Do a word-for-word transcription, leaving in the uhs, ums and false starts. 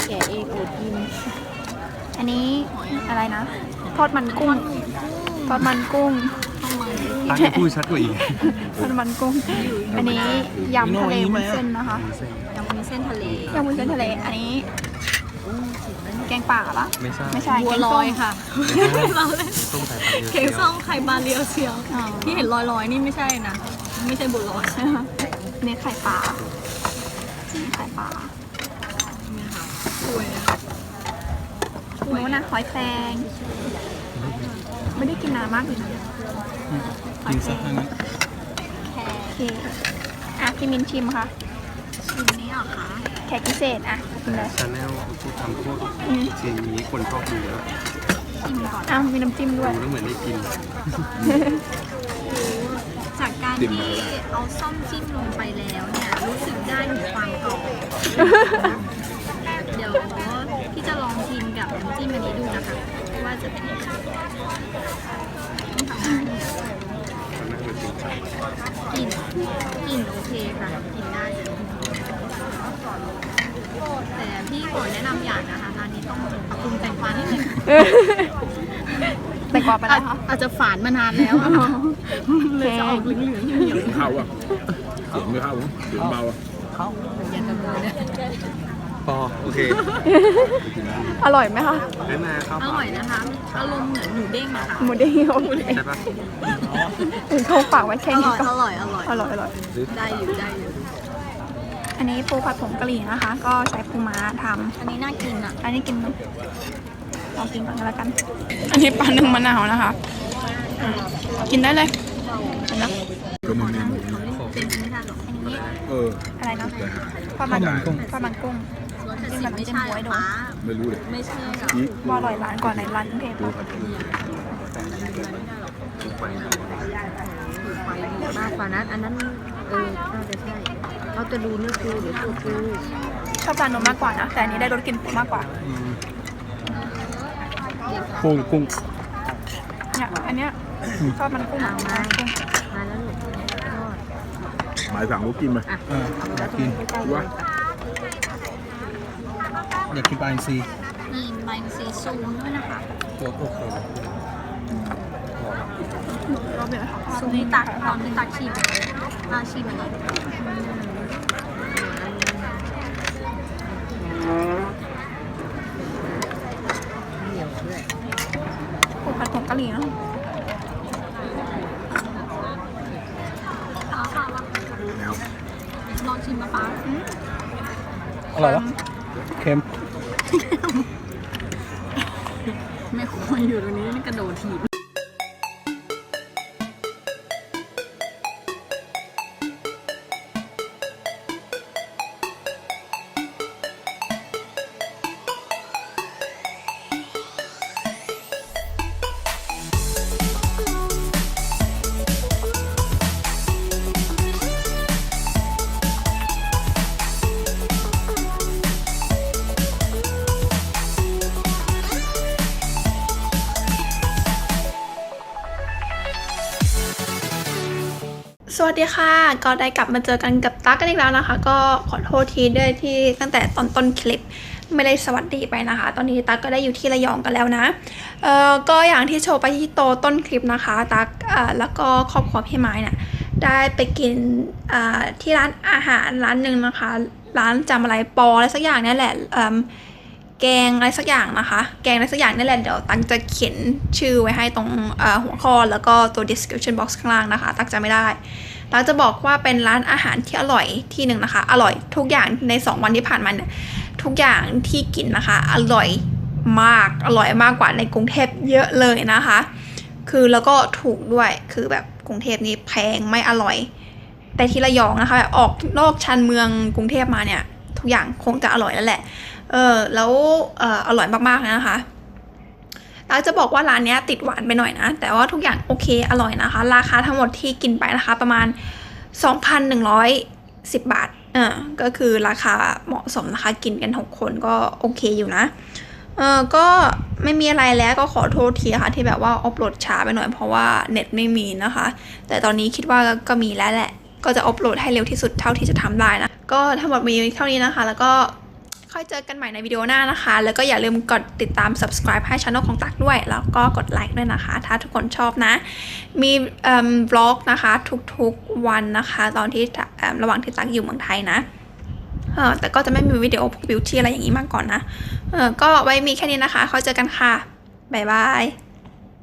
แกะเองอดกินอันนี้อะไรนะทอดมันกุ้งทอดมันกุ้งร้านนี้พูดชัดกว่าอีกทอดมันกุ้งอันนี้ยำทะเลวุ้นเส้นนะคะยำวุ้นเส้นทะเลยำวุ้นเส้นทะเลอันนี้แกงป่าปะไม่ใช่ไม่ใช่บัวลอยค่ะส้มไข่ปลาเรียวเค้กส้มไข่ปลาเรียวเชียวที่เห็นลอยๆนี่ไม่ใช่นะไม่ใช่บัวลอยเนี่ยไข่ปลาไข่ปลาสวยนะโน้นนะหอยแครงไม่ได้กินนานมากเลยกินสักครั้งนี้โอเคอ่ะพี่มินชิมค่ะชิมนี้เหรอคะแขกพิเศษอ่ะกินเลยชาแนลพูดทำพวกเชียงนี้คนชอบดูแล้วชิมก่อนอ้าวมีน้ำจิ้มด้วยดูแล้วเหมือนได้กินจากการที่เอาส้มจิ้มลงไปแล้วเนี่ยรู้สึกได้ถึงความกรอบเดี๋ยวพี่จะลองชิมกับน้ำจิ้มอันนี้ดูนะคะว่าจะเป็นยังไงกลิ่นกลิ่นโอเคค่ะกลิ่นได้เลยแต่พี่ขอแนะนำอย่างนะคะร้านนี้ต้องปรับปรุงแต่งกวานิดนึงแต่งกวาไปแล้วคะอาจจะฝานมานานแล้วเลยจะออกเหลืองๆเหนียวเข้าอ่ะเสียงไม่เข้าเสียงเบาอ่ะเข้าอย่าตะโกนนะพอโอเคอร่อยไหมคะได้มาครับอร่อยนะคะอารมณ์เหมือนหมูเด้งอะค่ะหมูเด้งโอเคใช่ปะถึงเขาฝากไว้แค่นี้ก็อร่อยอร่อยอร่อยอร่อยได้อยู่ได้อยู่อันนี้ปูผัดผงกะหรี่นะคะ ก็ใช้ปูม้าทำอันนี้น่ากินอ่ะอันนี้กินไหมลองกินก่อนก็แล้วกันอันนี้ปลาหนึ่งมะนาวนะคะกินได้เลยนะก็มันมีหมูเอออะไรนะปลามันกุ้งปลามันกุ้งที่แบบไม่ใช่หรอไม่รู้เลยไม่ใช่หรอว่าอร่อยร้านก่อนในร้านกรุงเทพมากกว่านั้นอันนั้นเออน่าจะใช่เขาจะดูเนื้อปูหรือตัวปูชอบจานนมมากกว่านะแต่อันนี้ได้รสกลิ่นปูมากกว่ากุ้งกุ้งเนี่ยอันเนี้ยชอบมันกุ้งมามาแล้วหนูหมายสั่งลูกกินไหมอยากกินว่าอยากกินปลาอินทรีนี่ใบซีซูด้วยนะคะตัวโอเคซูนี่ตักตอนนี้ตักชิมมาชิมอันนี้เหนียวด้วยปูผัดผงกะหรี่นะลองชิมมาป้าอร่อยปะเค็มไม่ควรอยู่ตรงนี้นี่กระโดดถีบสวัสดีค่ะก็ได้กลับมาเจอกันกับตั๊กกันอีกแล้วนะคะก็ขอโทษทีด้วยที่ตั้งแต่ตอนต้นคลิปไม่ได้สวัสดีไปนะคะตอนนี้ตั๊กก็ได้อยู่ที่ระยองกันแล้วนะเอ่อก็อย่างที่โชว์ไปที่โตต้นคลิปนะคะตั๊กเอ่อแล้วก็ครอบครัวพี่ไม้เนี่ยได้ไปกินเอ่อที่ร้านอาหารร้านหนึ่งนะคะร้านจำอะไรปออะไรสักอย่างนี่แหละเอ่อแกงอะไรสักอย่างนะคะแกงอะไรสักอย่างนี่แหละเดี๋ยวตั๊กจะเขียนชื่อไว้ให้ตรงหัวข้อแล้วก็ตัว description box ข้างล่างนะคะตั๊กจะไม่ได้ตั๊กจะบอกว่าเป็นร้านอาหารที่อร่อยที่หนึ่งนะคะอร่อยทุกอย่างในสองวันที่ผ่านมาเนี่ยทุกอย่างที่กินนะคะอร่อยมากอร่อยมากกว่าในกรุงเทพเยอะเลยนะคะคือแล้วก็ถูกด้วยคือแบบกรุงเทพนี่แพงไม่อร่อยแต่ที่ระยองนะคะแบบออกนอกชานเมืองกรุงเทพมาเนี่ยทุกอย่างคงจะอร่อยแล้วแหละเออแล้วเอออร่อยมากๆนะคะตั๊กจะบอกว่าร้านนี้ติดหวานไปหน่อยนะแต่ว่าทุกอย่างโอเคอร่อยนะคะราคาทั้งหมดที่กินไปนะคะประมาณ สองพันหนึ่งร้อยสิบ บาทเออก็คือราคาเหมาะสมนะคะกินกันหกคนก็โอเคอยู่นะเออก็ไม่มีอะไรแล้วก็ขอโทษทีค่ะที่แบบว่าอัปโหลดช้าไปหน่อยเพราะว่าเน็ตไม่มีนะคะแต่ตอนนี้คิดว่าก็มีแล้วแหละก็จะอัปโหลดให้เร็วที่สุดเท่าที่จะทำได้นะก็ทั้งหมดมีเท่านี้นะคะแล้วก็ค่อยเจอกันใหม่ในวิดีโอหน้านะคะแล้วก็อย่าลืมกดติดตาม subscribe ให้ช่องของตักด้วยแล้วก็กดไลค์ด้วยนะคะถ้าทุกคนชอบนะมีเอ่อ vlog นะคะทุกๆวันนะคะตอนที่เอ่อระหว่างที่ตักอยู่เมืองไทยนะเออแต่ก็จะไม่มีวิดีโอพวกบิวตี้อะไรอย่างนี้มาก่อนนะเออก็ไว้มีแค่นี้นะคะค่อยเจอกันค่ะบ๊ายบาย